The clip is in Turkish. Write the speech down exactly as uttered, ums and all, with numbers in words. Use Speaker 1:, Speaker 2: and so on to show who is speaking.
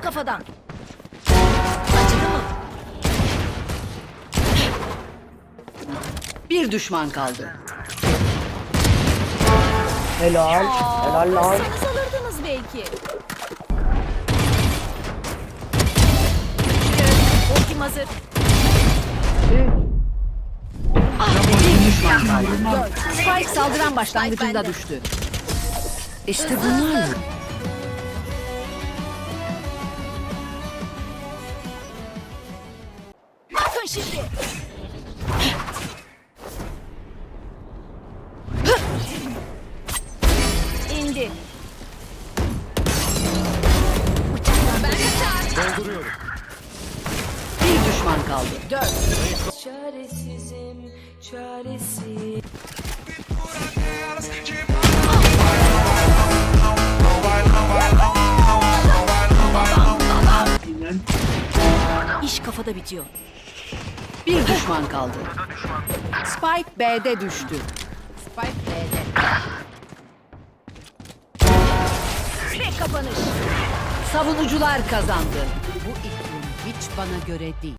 Speaker 1: Vur kafadan. Acıdı mı?
Speaker 2: Bir düşman kaldı.
Speaker 3: Helal. Helal lan.
Speaker 1: Vursanız alırdınız belki. Ultim hazır.
Speaker 2: Bir düşman kaldı. Spike saldıran başlangıcında düştü. İşte bunlarla.
Speaker 1: Bakın şimdi. İndi. Ben kaçar.
Speaker 4: Dolduruyorum.
Speaker 2: Bir düşman kaldı.
Speaker 1: Dört.
Speaker 5: Çaresizim, çaresiz.
Speaker 1: İş kafada bitiyor.
Speaker 2: Bir düşman kaldı. Spike B'de düştü.
Speaker 1: Spike B'de. Ve kapanış.
Speaker 2: Savunucular kazandı. Bu iklim hiç bana göre değil.